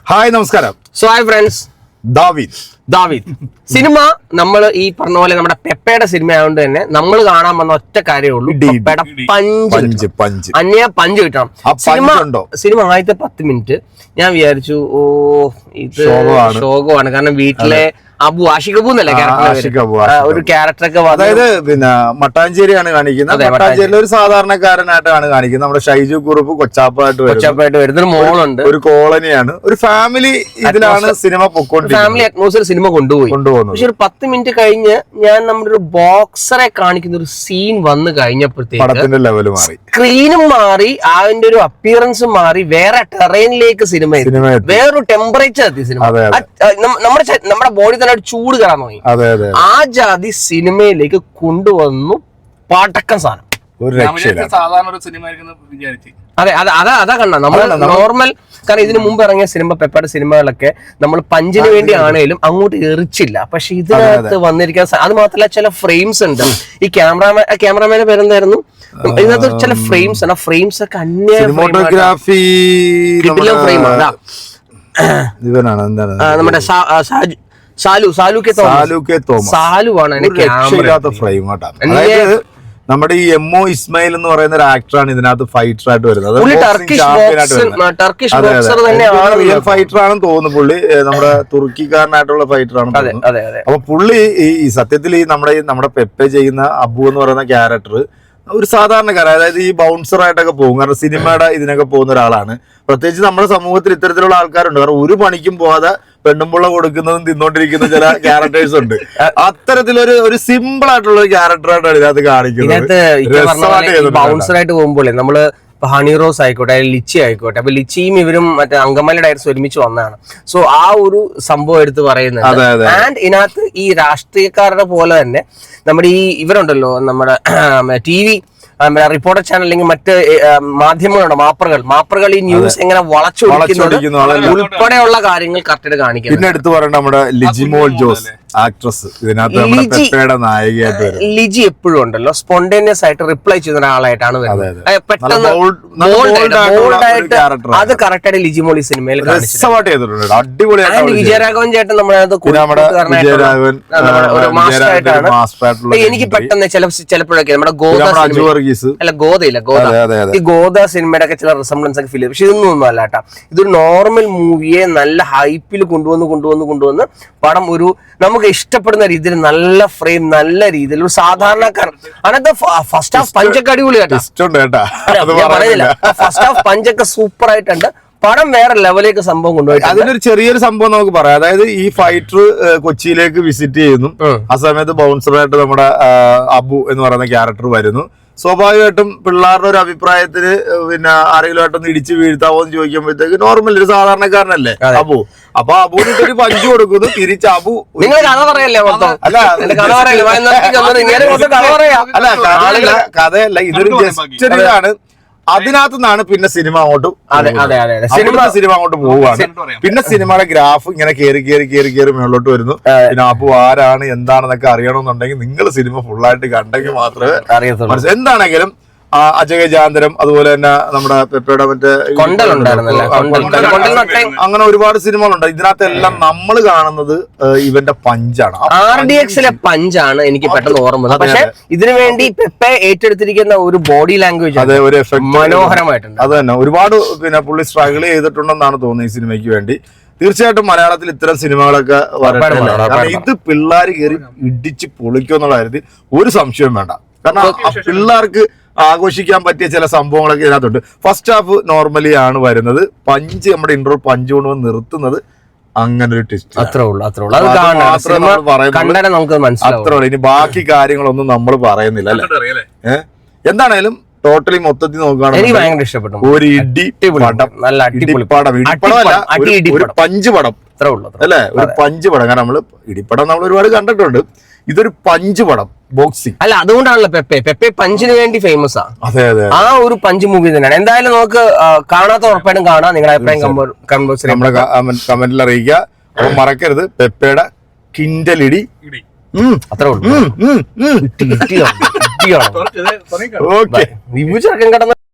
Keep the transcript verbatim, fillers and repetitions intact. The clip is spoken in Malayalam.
ഹായ് നമസ്കാരം. സോ ഹായ് ഫ്രണ്ട്സ്, ദാവീദ് ദാവീദ് സിനിമ നമ്മൾ ഈ പറഞ്ഞ പോലെ നമ്മുടെ പെപ്പയുടെ സിനിമ ആയതുകൊണ്ട് തന്നെ നമ്മൾ കാണാൻ വന്ന ഒറ്റ കാര്യമേ ഉള്ളൂ, പെപ്പയുടെ പഞ്ച് പഞ്ച് അന്യ പഞ്ച് കിട്ടണം. സിനിമ സിനിമ ആദ്യത്തെ പത്ത് മിനിറ്റ് ഞാൻ വിചാരിച്ചു ഓ ഇത് ശോകമാണ്, കാരണം വീട്ടിലെ അബു ആഷിഖ് അബു എന്നല്ലേ ഒരു ക്യാരക്ടറൊക്കെ, അതായത് പിന്നെ മട്ടാഞ്ചേരിയാണ് കാണിക്കുന്നത്. മട്ടാഞ്ചേരിയിൽ ഒരു സാധാരണക്കാരനായിട്ടാണ് കാണിക്കുന്നത്. നമ്മുടെ ഷൈജു കുറുപ്പ് കൊച്ചാപ്പായിട്ട് കൊച്ചാപ്പായിട്ട് വരുന്ന ഒരു മോളുണ്ട്, ഒരു കോളനിയാണ്, ഒരു ഫാമിലി ഇതിലാണ് സിനിമ പൊക്കോണ്ട് ഫാമിലി അറ്റ്മോസ്ഫിയർ സിനിമ കൊണ്ടുപോയി കൊണ്ടുപോകുന്നു. പക്ഷെ ഒരു പത്ത് മിനിറ്റ് കഴിഞ്ഞ് ഞാൻ നമ്മുടെ ഒരു ബോക്സറെ കാണിക്കുന്ന ഒരു സീൻ വന്നു കഴിഞ്ഞപ്പോഴത്തേക്ക് പടത്തിന്റെ ലെവല് മാറി, സ്ക്രീനും മാറി, അതിന്റെ ഒരു അപ്പിയറൻസും മാറി, വേറെ ടെറൈനിലേക്ക് സിനിമ വേറൊരു ടെമ്പറേച്ചർ എത്തി സിനിമ. നമ്മുടെ നമ്മുടെ ബോഡി തന്നെ ചൂട് കയറാൻ തുടങ്ങി. ആ ജാതി സിനിമയിലേക്ക് കൊണ്ടുവന്നു പടക്കം സാധനം. അതെ അതെ അതാ അതാ കണ്ട നമ്മൾ നോർമൽ, കാരണം ഇതിനു മുമ്പ് ഇറങ്ങിയ സിനിമ പെപ്പയുടെ സിനിമകളൊക്കെ നമ്മൾ പഞ്ചിന് വേണ്ടി ആണെങ്കിലും അങ്ങോട്ട് എറിച്ചില്ല. പക്ഷെ ഇതിനകത്ത് വന്നിരിക്കാൻ, അത് മാത്രമല്ല ചില ഫ്രെയിംസ് ഉണ്ട്. ഈ ക്യാമറാമാൻ ക്യാമറാമാന്റെ പേരെന്തായിരുന്നു, ഇതിനകത്ത് ചില ഫ്രെയിംസ് ആണ്, ആ ഫ്രെയിംസ് ഒക്കെ അന്യ സിനിമാറ്റോഗ്രാഫി ഫ്രെയിമാണ്. നമ്മുടെ സാലു സാലു കെ തോമസ് സാലുവാണ് അതായത് നമ്മുടെ ഈ എംഒ ഇസ്മായിൽ എന്ന് പറയുന്ന ഒരു ആക്ടറാണ് ഇതിനകത്ത് ഫൈറ്റർ ആയിട്ട് വരുന്നത്. റിയൽ ഫൈറ്റർ ആണെന്ന് തോന്നുന്നു. പുള്ളി നമ്മുടെ തുർക്കിക്കാരനായിട്ടുള്ള ഫൈറ്റർ ആണ്. അപ്പൊ പുള്ളി ഈ സത്യത്തിൽ ഈ നമ്മുടെ നമ്മുടെ പെപ്പെ ചെയ്യുന്ന അബു എന്ന് പറയുന്ന ക്യാരക്ടർ ഒരു സാധാരണക്കാരൻ, അതായത് ഈ ബൗൺസർ ആയിട്ടൊക്കെ പോകും. കാരണം സിനിമയുടെ ഇതിനൊക്കെ പോകുന്ന ഒരാളാണ്. പ്രത്യേകിച്ച് നമ്മുടെ സമൂഹത്തിൽ ഇത്തരത്തിലുള്ള ആൾക്കാരുണ്ട്. കാരണം ഒരു പണിക്കും പോകാതെ പെണ്ണുമ്പുള്ള കൊടുക്കുന്നതും തിന്നോണ്ടിരിക്കുന്ന ചില ക്യാരക്ടേഴ്സ് ഉണ്ട്. അത്തരത്തിലൊരു ഒരു സിമ്പിൾ ആയിട്ടുള്ള ഒരു ക്യാരക്ടറായിട്ടാണ് ഇതിനകത്ത് കാണിക്കുന്നത്. ബൗൺസർ ആയിട്ട് പോകുമ്പോൾ നമ്മള് ഹണി റോസ് ആയിക്കോട്ടെ, ലിച്ചി ആയിക്കോട്ടെ, അപ്പൊ ലിച്ചിയും ഇവരും മറ്റേ അങ്കമാലി ഡയറക്ടേഴ്സ് ഒരുമിച്ച് വന്നതാണ്. സോ ആ ഒരു സംഭവം എടുത്ത് പറയുന്നത്. ആൻഡ് ഇതിനകത്ത് ഈ രാഷ്ട്രീയക്കാരുടെ പോലെ തന്നെ നമ്മുടെ ഈ ഇവരുണ്ടല്ലോ, നമ്മുടെ ടി വി റിപ്പോർട്ടർ ചാനൽ അല്ലെങ്കിൽ മറ്റ് മാധ്യമങ്ങളുണ്ട്, മാപ്പറുകൾ മാപ്പറുകൾ ഈ ന്യൂസ് എങ്ങനെ വളച്ചു ഉൾപ്പെടെയുള്ള കാര്യങ്ങൾ കറക്റ്റ് കാണിക്കുന്നത്. പിന്നെ എടുത്തു പറയേണ്ട നമ്മുടെ ലിജിമോൾ ജോസ് ആക്ട്രസ്, ഇതിനകത്ത് നായികയായിട്ട് ലിജി എപ്പോഴും ഉണ്ടല്ലോ സ്പോണ്ടേനിയസ് ആയിട്ട് റിപ്ലൈ ചെയ്യുന്ന ഒരാളായിട്ടാണ് വരുന്നത്. പെട്ടെന്ന് അത് കറക്റ്റ് ആയിട്ട് ലിജി മോൾ ഈ സിനിമയിൽ അടിപൊളിയായിട്ട്. വിജയരാഘവൻ ചേട്ടൻ നമ്മുടെ മാസ്റ്റർ ആയിട്ടാണ്. എനിക്ക് പെട്ടെന്ന് ചില ചിലപ്പോഴൊക്കെ നമ്മുടെ ഗോദ അല്ല ഗോദയില്ല ഗോദ ഈ ഗോദ സിനിമയുടെ ഒക്കെ ചില റിസംബ്ലൻസ് ഒക്കെ ഫീൽ ചെയ്യും. പക്ഷെ ഇതൊന്നും ഒന്നും അല്ല കേട്ടാ. ഇതൊരു നോർമൽ മൂവിയെ നല്ല ഹൈപ്പിൽ കൊണ്ടുവന്ന് കൊണ്ടുവന്ന് കൊണ്ടുവന്ന് പടം ഒരു നമുക്ക് ഇഷ്ടപ്പെടുന്ന രീതിയിൽ നല്ല ഫ്രെയിം, നല്ല രീതിയിൽ ഒരു സാധാരണക്കാരൻ. അതിനകത്ത് ഫസ്റ്റ് ഹാഫ് പഞ്ചൊക്കെ അടിപൊളി കേട്ടാ. ഞാൻ പറയുന്നില്ല, ഫസ്റ്റ് ഹാഫ് പഞ്ചൊക്കെ സൂപ്പർ ആയിട്ടുണ്ട്. പടം വേറെ ലെവലിലേക്ക് സംഭവം കൊണ്ടുപോയി. അതിലൊരു ചെറിയൊരു സംഭവം നമുക്ക് പറയാം. അതായത് ഈ ഫൈറ്റർ കൊച്ചിയിലേക്ക് വിസിറ്റ് ചെയ്യുന്നു. ആ സമയത്ത് ബൗൺസറായിട്ട് നമ്മുടെ അബു എന്ന് പറയുന്ന ക്യാരക്ടർ വരുന്നു. സ്വാഭാവികമായിട്ടും പിള്ളേരുടെ ഒരു അഭിപ്രായത്തിന് പിന്നെ ആരെങ്കിലും ആയിട്ടൊന്ന് ഇടിച്ച് വീഴ്ത്താവോ എന്ന് ചോദിക്കുമ്പോഴത്തേക്ക് നോർമൽ ഒരു സാധാരണക്കാരനല്ലേ അബു. അപ്പൊ അബുവിന് ഒരു പഞ്ച് കൊടുക്കുന്നു, തിരിച്ച് അബു നിങ്ങൾ കഥ പറയല്ലേ അല്ല അല്ല കഥയല്ല, ഇതൊരു ജസ്റ്റ് ഇതാണ്. അതിനകത്ത് നിന്നാണ് പിന്നെ സിനിമ അങ്ങോട്ട് സിനിമ സിനിമ അങ്ങോട്ട് പോവുകയാണ്. പിന്നെ സിനിമയുടെ ഗ്രാഫ് ഇങ്ങനെ കയറി കയറി കയറി കയറി മുകളിലോട്ട് വരുന്നു. പിന്നെ അപ്പൊ ആരാണ് എന്താണെന്നൊക്കെ അറിയണമെന്നുണ്ടെങ്കിൽ നിങ്ങൾ സിനിമ ഫുള്ളായിട്ട് കണ്ടെങ്കിൽ മാത്രമേ അറിയത്തുള്ളൂ. എന്താണെങ്കിലും അജഗജാന്തരം, അതുപോലെ തന്നെ നമ്മുടെ പെപ്പയുടെ മറ്റേ അങ്ങനെ ഒരുപാട് സിനിമകളുണ്ട്. ഇതിനകത്ത് എല്ലാം നമ്മൾ കാണുന്നത് ഇവന്റെ പഞ്ചാണ്. ആർ ഡി എക്സിലെ പഞ്ചാണ് എനിക്ക് പെട്ടെന്ന് ഓർമ്മ. പക്ഷെ ഇതിനു വേണ്ടി പെപ്പെ ഏറ്റെടുത്തിരിക്കുന്ന ഒരു ബോഡി ലാംഗ്വേജ്, അതെ, ഒരു എഫക്ട് മനോഹരമായിട്ടുണ്ട്. അത് തന്നെ ഒരുപാട് പിന്നെ പുള്ളി സ്ട്രഗിൾ ചെയ്തിട്ടുണ്ടെന്നാണ് തോന്നുന്നത് ഈ സിനിമയ്ക്ക് വേണ്ടി. തീർച്ചയായിട്ടും മലയാളത്തിൽ ഇത്തരം സിനിമകളൊക്കെ വരട്ടെ. ഇത് പിള്ളേർ കയറി ഇടിച്ച് പൊളിക്കുമെന്നുള്ള കാര്യത്തിൽ ഒരു സംശയവും വേണ്ട. കാരണം പിള്ളേർക്ക് ആഘോഷിക്കാൻ പറ്റിയ ചില സംഭവങ്ങളൊക്കെ ഇതിനകത്തുണ്ട്. ഫസ്റ്റ് ഹാഫ് നോർമലി ആണ് വരുന്നത്. പഞ്ച് നമ്മുടെ ഇന്റർ പഞ്ച് കൊണ്ടുവന്ന് നിർത്തുന്നത് അങ്ങനെ ഒരു ട്വിസ്റ്റ്. അത്രേ ഉള്ളൂ അത്രേ ഉള്ളൂ അത്രേ ഉള്ളൂ. ഇനി ബാക്കി കാര്യങ്ങളൊന്നും നമ്മൾ പറയുന്നില്ല അല്ലേ. ഏഹ് എന്താണേലും ടോട്ടലി മൊത്തത്തിൽ നോക്കുകയാണെങ്കിൽ ഇഷ്ടപ്പെട്ടു. ഒരു ഇടി പടം, നല്ല ഇടിപ്പടം, ഇടിപ്പടമല്ല ഒരു പഞ്ച് പടം അല്ലേ, ഒരു പഞ്ച് പടം. കാരണം നമ്മള് ഇടിപ്പടം നമ്മൾ ഒരുപാട് കണ്ടിട്ടുണ്ട്. ഇതൊരു പഞ്ച് പടം, ബോക്സിംഗ് അല്ല. അതുകൊണ്ടാണല്ലോ പെപ്പെ പെപ്പെ പഞ്ചിന് വേണ്ടി ഫേമസ് ആണ്. അതെ അതെ ആ ഒരു പഞ്ച് മൂവി തന്നെയാണ്. എന്തായാലും നമുക്ക് കാണാത്ത ഉറപ്പായിട്ടും കാണാം. നിങ്ങളുടെ അഭിപ്രായം നമ്മുടെ കമന്റിൽ അറിയിക്കുക. അപ്പൊ മറക്കരുത് പെപ്പയുടെ കിൻഡലിടി. അത്രേ ഉള്ളൂ. ഓക്കെ.